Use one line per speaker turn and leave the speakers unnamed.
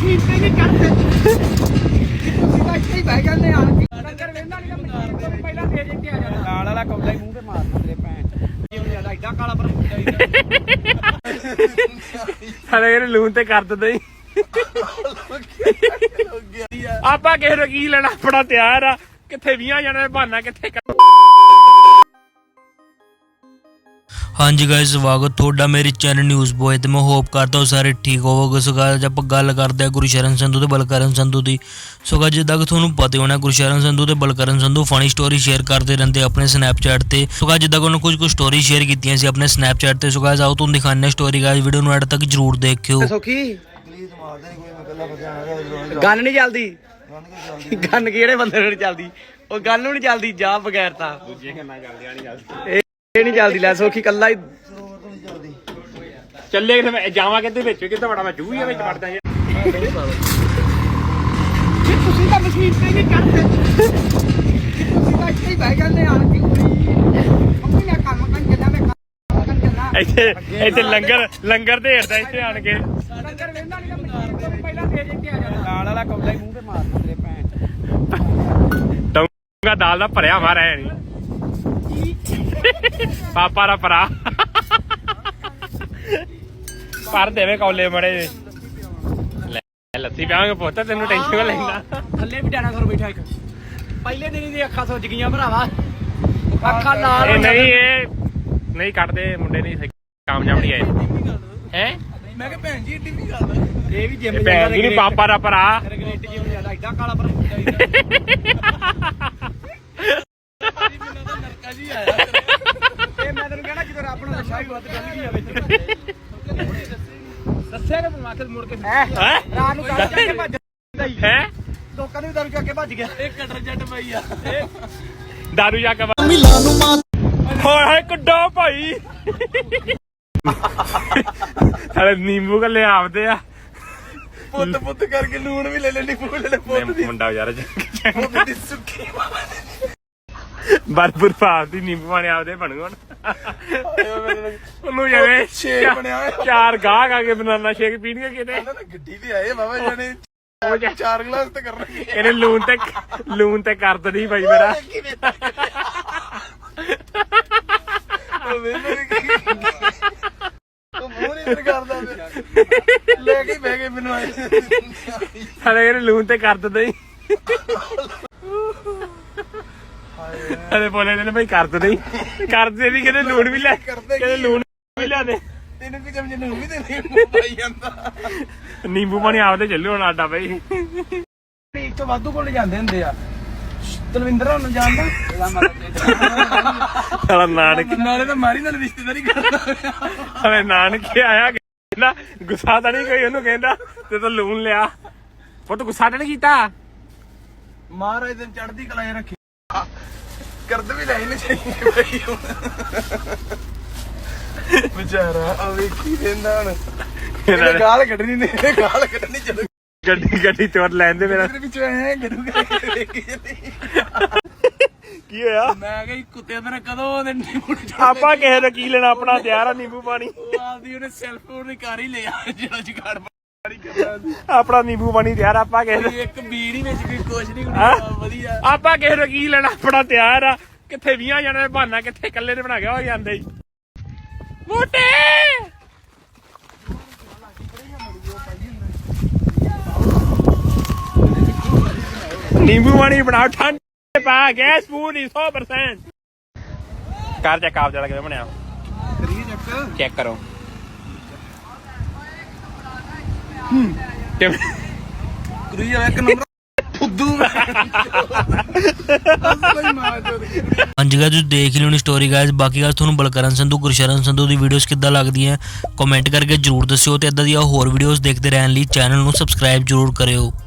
Machine ਤੇ ਨਹੀਂ ਚੜਦੇ ਤੁਸੀਂ ਤਾਂ ਇੱਥੇ ਹੀ ਬਹਿ ਜਾਂਦੇ ਆ ਨੰਗਰ ਵੇਂਦਾ ਨਹੀਂ ਮਸ਼ੀਨ ਤੋਂ ਪਹਿਲਾਂ ਦੇ ਕੇ ਆ ਜਾਂਦਾ ਨਾਲ ਵਾਲਾ ਕੌਲਾ ਹੀ ਮੂੰਹ ਤੇ ਮਾਰ ਦਿੰਦੇ ਭੈਣ ਜਿਉਂ ਜਿਆਦਾ ਐਡਾ ਕਾਲਾ ਪਰ
ਸਾਰੇ ਇਹਨੇ ਲੂਣ ਤੇ ਕਰ ਦਿੰਦੇ ਆਪਾਂ ਕਿਸੇ ਨੂੰ ਕੀ ਲੈਣਾ, ਆਪਣਾ ਤਿਆਰ ਆ। ਕਿੱਥੇ 20 ਜਣੇ ਬਹਾਨਾ ਕਿੱਥੇ।
ਹਾਂਜੀ ਗਾਇਸ, ਸਵਾਗਤ ਤੁਹਾਡਾ ਮੇਰੇ ਚੈਨਲ ਨਿਊਜ਼ ਬॉय ਤੇ ਮੈਂ ਹੋਪ ਕਰਦਾ ਹਾਂ ਸਾਰੇ ਠੀਕ ਹੋਵੋਗੇ। ਸੋ ਗਾਇਸ ਆਪਾਂ ਗੱਲ ਕਰਦੇ ਹਾਂ ਗੁਰਸ਼ਰਨ ਸੰਧੂ ਤੇ ਬਲਕਰਨ ਸੰਧੂ ਦੀ। ਸੋ ਗਾਇਸ ਜਿੱਦਾਂ ਕਿ ਤੁਹਾਨੂੰ ਪਤਾ ਹੋਣਾ ਗੁਰਸ਼ਰਨ ਸੰਧੂ ਤੇ Balkaran Sandhu funny story share ਕਰਦੇ ਰਹਿੰਦੇ ਆਪਣੇ ਸਨੈਪਚੈਟ ਤੇ। ਸੋ ਗਾਇਸ ਜਿੱਦਾਂ ਕਿ ਉਹਨਾਂ ਕੁਝ ਸਟੋਰੀ ਸ਼ੇਅਰ ਕੀਤੀਆਂ ਸੀ ਆਪਣੇ ਸਨੈਪਚੈਟ ਤੇ। ਸੋ ਗਾਇਸ ਆਓ ਤੁਹਾਨੂੰ ਦਿਖਾਉਂਦੇ ਹਾਂ ਸਟੋਰੀ। ਗਾਇਸ ਵੀਡੀਓ ਨੂੰ ਐਡ ਤੱਕ ਜਰੂਰ ਦੇਖਿਓ।
ਸੋਖੀ ਗਨ ਨਹੀਂ ਚੱਲਦੀ, ਗਨ ਕਿਹੜੇ ਬੰਦੇ ਨੂੰ ਨਹੀਂ ਚੱਲਦੀ, ਉਹ ਗਨ ਨੂੰ ਨਹੀਂ ਚੱਲਦੀ ਜਾ ਬਗੈਰ ਤਾਂ ਦੂਜੀਆਂ ਗੰਨਾਂ ਚੱਲਦੀਆਂ ਨਹੀਂ ਚੱਲਦੀ, ਇਹ ਨਹੀਂ ਚੱਲਦੀ। ਲੈ ਸੋਖੀ ਕੱਲਾ ਹੀ
ਚੱਲੇ ਕਿਤੇ ਜਾਵਾਂ ਕਿਤੇ ਵਿੱਚ ਕਿਤੇ ਬੜਾ ਮੈਂ ਜੂਹੀਆਂ ਵਿੱਚ ਵੜਦਾ ਯਾਰ।
ਤੁਸੀਂ ਤਾਂ ਮਸ਼ੀਨ ਤੇ ਨਹੀਂ ਚੜਦੇ ਤੁਸੀਂ ਤਾਂ ਇੱਥੇ ਹੀ ਬਹਿ ਜਾਂਦੇ ਆ ਕਿ ਮੰਮੀ ਨੇ ਕੰਮ ਕਰਨ ਚੱਲਾਂ ਮੈਂ ਕੰਮ ਚੱਲਾਂ
ਇੱਥੇ ਲੰਗਰ ਢੇਰਦਾ ਇੱਥੇ ਆਣ ਕੇ।
ਨੰਗਰ ਵੇਂਦਾ ਨਹੀਂ ਮਸ਼ੀਨ ਤੋਂ ਪਹਿਲਾਂ ਦੇ ਕੇ ਆ ਜਾਂਦਾ ਨਾਲ ਵਾਲਾ ਕੌਲਾ ਹੀ ਮੂੰਹ ਤੇ ਮਾਰ ਦਿੰਦੇ ਭੈਣ
ਟੌਂਗਾ ਦਾਲ ਦਾ ਭਰਿਆ ਮਾਰਿਆ ਨਹੀਂ ਪਾਪਾ ਦਾ ਭਰਾ ਭਰ ਦੇਵੇ ਕੌਲੇ ਮੜੇ ਲੱਸੀ ਪਿਆਵਾਂਗੇ ਪੁੱਤ, ਤੈਨੂੰ ਟੈਨਸ਼ਨ ਲੈਂਦਾ।
ਥੱਲੇ ਵੀ ਡਾਇਨਾਸੌਰ ਬੈਠਾ ਇੱਕ, ਪਹਿਲੇ ਦਿਨ ਦੀ ਅੱਖਾਂ ਸੁੱਜ ਗਈਆਂ ਭਰਾਵਾ, ਅੱਖਾਂ ਲਾਲ
ਇਹ ਨਹੀਂ ਕੱਢਦੇ ਮੁੰਡੇ ਨਹੀਂ ਕਾਮਯਾਬ ਨਹੀਂ ਆਏ ਹੈ।
ਮੈਂ ਕਿਹਾ ਭੈਣ ਜੀ ਏਡੀ ਵੀ ਗੱਲ ਇਹ ਵੀ ਜਿੰਮ
ਭੈਣ ਜੀ ਨੂੰ ਪਾਪਾ ਦਾ ਭਰਾ
ਰਗਨੇਟ ਜਿਉਂ ਜਿਆਦਾ ਐਡਾ ਕਾਲਾ ਪਰ ਨਰਕਾ ਜੀ ਆਇਆ ਇਹ ਮੈਂ ਤੈਨੂੰ ਕਹਿਣਾ ਜਦੋਂ ਰੱਬ ਨੂੰ ਨਸ਼ਾ ਹੀ ਵੱਧ ਡੱਲ ਗਿਆ ਵਿੱਚ ਦੱਸਿਆ ਕਿ ਮਾਖਲ ਮੁੜ ਕੇ ਰਾਤ ਨੂੰ ਕੱਢ ਕੇ ਭੱਜ
ਹੈ।
ਲੋਕਾਂ ਨੂੰ ਦਾਰੂ ਚੱਕ ਕੇ ਭੱਜ ਗਿਆ ਇਹ ਕਟਰ ਜੱਟ ਪਈ ਆ
ਦਾਰੂ ਜਾ ਕੇ ਹੋਏ ਹੋਏ ਕੱਢੋ ਭਾਈ ਸਾਰੇ ਨਿੰਬੂ ਕੱਲੇ ਆਪਦੇ ਆ
ਪੁੱਤ ਕਰਕੇ ਲੂਣ ਵੀ ਲੈ ਲੈਣੀ
ਮੁੰਡਾ ਯਾਰ
ਸੁੱਕੀ
ਬਰਬਰ ਭਾਵ ਦੀ ਨਿੰਬੂ ਪਾਣੀ ਆਪਦੇ ਬਣੂ ਹੁਣ ਉਹਨੂੰ ਜਿਵੇਂ
ਸ਼ੇਕ ਬਣਿਆ
ਚਾਰ ਗਾਹਕ ਆ ਕੇ ਬਨਾਨਾ ਸ਼ੇਕ ਪੀਣਗੇ ਕਿਤੇ।
ਗੱਡੀ ਤੇ ਆਏ ਬਾਬਾ ਜਾਨੇ 4 ਗਲਾਸ ਤੇ ਕਰਨਗੇ
ਇਹਨੇ ਲੂਣ ਤੇ ਕਰ ਦਣੀ ਭਾਈ ਮੇਰਾ।
ਲੈ ਕੇ ਬਹਿ ਗਏ ਮੈਨੂੰ ਆਏ
ਸਾਰੇ ਇਹਨੇ ਲੂਣ ਤੇ ਕਰ ਦਣੀ ਅਰੇ ਬੋਲੇ ਨੇ ਭਾਈ ਕਰ ਦਣੀ ਕਰਦੇ ਵੀ ਕਹਿੰਦੇ ਲੂਣ ਵੀ ਲੈ ਕਹਿੰਦੇ ਲੂਣ ਵੀ ਲਿਆ ਦੇ
ਤੈਨੂੰ ਕੀ ਸਮਝ ਨੂੰ ਵੀ ਤੇ ਨਿੰਬੂ ਪਾਈ ਜਾਂਦਾ
ਨਿੰਬੂ ਪਾਣੀ ਆਪਦੇ ਚੱਲੂ ਹੁਣ ਆਡਾ ਭਾਈ।
ਇੱਥੋਂ ਵਾਧੂ ਕੋਲ ਜਾਂਦੇ ਹੁੰਦੇ ਆ ਤਲਵਿੰਦਰ ਹੁਣ ਜਾਣਦਾ
ਸਾਲਾ ਨਾਨਕ
ਨਾਲੇ ਤਾਂ ਮਾਰੀ ਨਾਲ ਰਿਸ਼ਤੇਦਾਰੀ ਕਰਦਾ
ਸਾਲੇ ਨਾਨਕੇ ਆਇਆ ਕਹਿੰਦਾ ਗੁੱਸਾ ਤਾਂ ਨਹੀਂ ਕੋਈ ਉਹਨੂੰ ਕਹਿੰਦਾ ਤੇ ਤਾਂ ਲੂਣ ਲਿਆ ਪੁੱਤ ਗੁੱਸਾ ਤਾਂ ਨਹੀਂ ਕੀਤਾ।
ਮਹਾਰਾਜ ਦਿਨ ਚੜ੍ਹਦੀ ਕਲਾ ਰੱਖੀ ਕਰਦ ਵੀ ਲੈ ਨਹੀਂ ਚਾਹੀਦੀ ਬਈ ਵਿਚਾਰਾ ਆ ਵੇਖੀ ਰਹਿੰਦਾ ਹੁਣ ਇਹਨੇ ਗਾਲ ਕੱਢਣੀ ਨੇ ਗਾਲ ਕੱਢਣੀ ਚਲੋ
ਗੱਡੀ ਚੋਰ ਲੈਂਦੇ ਮੇਰਾ
ਵਿੱਚੋਂ ਐ ਕਰੂਗਾ
ਕੀ ਹੋਇਆ।
ਮੈਂ ਕਿਹਾ ਕੁੱਤੇ ਅੰਦਰ ਕਦੋਂ ਦੇ ਨਿੰਬੂ
ਆਪਾਂ ਕਿਸੇ ਦਾ ਕੀ ਲੈਣਾ, ਆਪਣਾ ਤਿਆਰ ਆ ਨਿੰਬੂ ਪਾਣੀ।
ਉਹ ਆਪਦੀ ਉਹਨੇ ਸੈਲਫ ਉਹਨੇ ਕਰ ਹੀ ਲਿਆ ਜਿਹੜਾ ਜੁਗਾੜ
ਆਪਣਾ ਨਿੰਬੂ ਪਾਣੀ ਤਿਆਰ ਆਪਾਂ ਕਿਸੇ
ਇੱਕ ਬੀੜ ਹੀ ਵਿੱਚ ਕੋਈ ਕੁਛ ਨਹੀਂ ਵਧੀਆ।
ਆਪਾਂ ਕਿਸੇ ਦਾ ਕੀ ਲੈਣਾ, ਆਪਣਾ ਤਿਆਰ ਆ। ਕਿੱਥੇ 20 ਜਣੇ ਬਹਾਨਾ ਕਿੱਥੇ ਇਕੱਲੇ ਨੇ ਬਣਾ ਕੇ ਹੋ ਜਾਂਦੇ ਜੀ ਮੋਟੇ। ਨਿੰਬੂ ਪਾਣੀ ਬਣਾਓ ਠੰਡ ਪਾ ਗੈਸ ਪੂਰੀ 100% ਕਰ ਚੈੱਕ ਆਪ ਜਿਆਦਾ ਕਿਵੇਂ ਬਣਿਆ ਚੈੱਕ ਕਰੋ
ਇੱਕ ਨੰਬਰ ਫੁੱਦੂ
ਹਾਂਜੀ ਗਾਇਸ ਤੁਸੀਂ ਦੇਖ ਲਿਓ ਨੀ ਸਟੋਰੀ ਗਾਇਸ। ਬਾਕੀ ਗੱਲ ਤੁਹਾਨੂੰ ਬਲਕਰਨ ਸੰਧੂ ਗੁਰਸ਼ਰਨ ਸੰਧੂ ਦੀ ਵੀਡੀਓਜ਼ ਕਿੱਦਾਂ ਲੱਗਦੀਆਂ ਕਮੈਂਟ ਕਰਕੇ ਜਰੂਰ ਦੱਸਿਓ ਤੇ ਇਦਾਂ ਦੀਆਂ ਹੋਰ ਵੀਡੀਓਜ਼ ਦੇਖਦੇ ਰਹਿਣ ਲਈ ਚੈਨਲ ਨੂੰ ਸਬਸਕ੍ਰਾਈਬ ਜਰੂਰ ਕਰਿਓ।